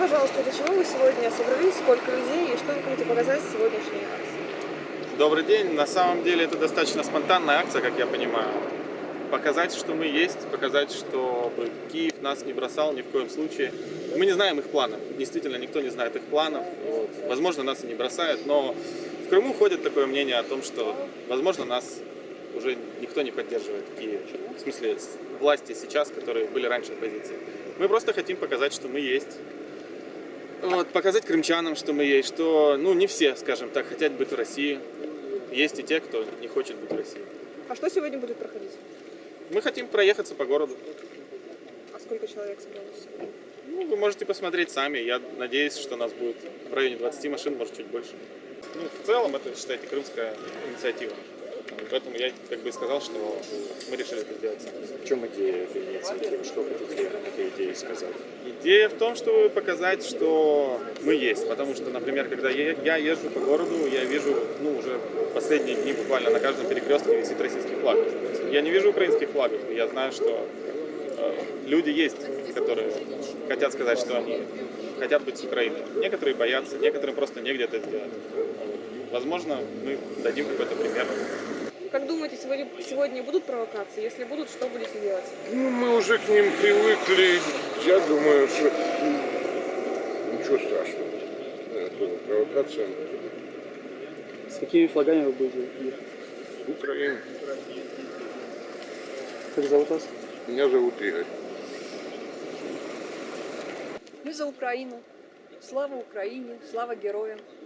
пожалуйста, для чего вы сегодня собрались, сколько людей и что вы хотите показать в сегодняшней акции? Добрый день. На самом деле это достаточно спонтанная акция, как я понимаю. Показать, что мы есть, показать, чтобы Киев нас не бросал ни в коем случае. Мы не знаем их планов. Действительно, никто не знает их планов. Вот. Возможно, нас и не бросают, но в Крыму ходит такое мнение о том, что, возможно, нас уже никто не поддерживает в Киеве. В смысле, власти сейчас, которые были раньше оппозицией. Мы просто хотим показать, что мы есть. Вот, показать крымчанам, что мы есть, что, не все, скажем так, хотят быть в России. Есть и те, кто не хочет быть в России. А что сегодня будет проходить? Мы хотим проехаться по городу. А сколько человек собралось? Вы можете посмотреть сами. Я надеюсь, что нас будет в районе 20 машин, может, чуть больше. В целом, это, считайте, крымская инициатива. Поэтому я как бы сказал, что мы решили это сделать сами. В чем идея этой инициативы? Что хотите этой идеей сказать? Идея в том, чтобы показать, что мы есть. Потому что, например, когда я езжу по городу, я вижу, уже последние дни буквально на каждом перекрестке висит российский флаг. Я не вижу украинских флагов. И я знаю, что люди есть, которые хотят сказать, что они хотят быть с Украиной. Некоторые боятся, некоторым просто негде это сделать. Возможно, мы дадим какой-то пример. Как думаете, сегодня будут провокации? Если будут, что будете делать? Мы уже к ним привыкли. Я думаю, что ничего страшного. Это провокация С какими флагами вы будете ехать? в Украине. Как зовут вас? Меня зовут Игорь. Мы за Украину. Слава Украине, слава героям.